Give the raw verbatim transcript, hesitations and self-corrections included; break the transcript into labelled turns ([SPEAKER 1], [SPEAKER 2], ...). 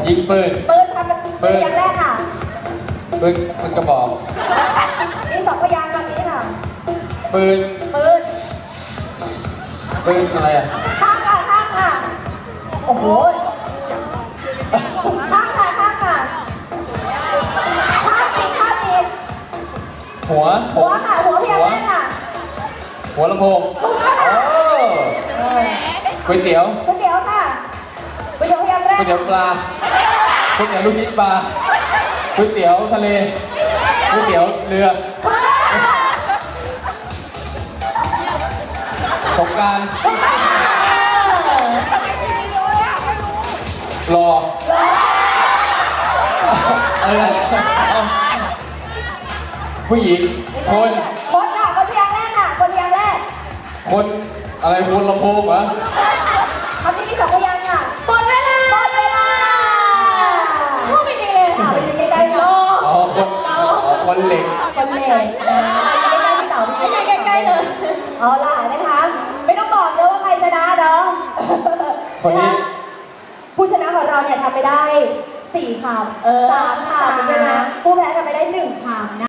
[SPEAKER 1] ยิงปืน
[SPEAKER 2] ปืนทำเป็นปืนอย่างแรกค่ะ
[SPEAKER 1] ปืนปืนกระบอก
[SPEAKER 2] มีสองพยางค์แบบนี้ค่ะ
[SPEAKER 1] ปืน
[SPEAKER 2] ปืน
[SPEAKER 1] ปืนอะไรอ่ะ
[SPEAKER 2] ข้างค่ะข้างค่ะโอ้โหข้างค่ะข้างค่ะข้างอีกข้างอีก
[SPEAKER 1] หัว
[SPEAKER 2] หัวค่ะหัวพยางค์แรกค่ะ
[SPEAKER 1] หัวลำโพง
[SPEAKER 2] ถูกต้องค่ะ
[SPEAKER 1] ก๋วยเตี๋ยว
[SPEAKER 2] ก๋วยเตี๋ยวค่ะก๋วยเตี๋ยวพยางค์แรก
[SPEAKER 1] ก๋วยเตี๋ยวปลาก๋วยเตี๋ยวลูกชิ้นปลาก๋วยเตี๋ยวทะเลก๋วยเตี๋ยวเรือสงกรานต์รออะไรผู้หญิงคน
[SPEAKER 2] คนค่ะคนพยางค์แรกค่ะคนพยางค์แรก
[SPEAKER 1] คนอะไรคนลำโพงเหรอ
[SPEAKER 2] คำนี้มีสองพยางค์ค่ะ
[SPEAKER 3] หมดเวลา
[SPEAKER 2] หมดเวลา
[SPEAKER 3] พูดไปดีเลย
[SPEAKER 2] ค่ะไปยืนใกล้ๆรอ
[SPEAKER 1] อ๋อคนคนเหล็ก
[SPEAKER 2] คนเหล็กใกล้ๆพี่เต๋าพี่
[SPEAKER 3] ใกล้ๆเลย
[SPEAKER 2] เอาล่ะนะคะไม่ต้องบอกเลยว่าใครชนะเนาะ
[SPEAKER 1] คนนี้
[SPEAKER 2] ผู้ชนะของเราเนี่ยทำไปได้สี่คำสามคำใช่ไหมผู้แพ้ทำไปได้หนึ่งคำนะ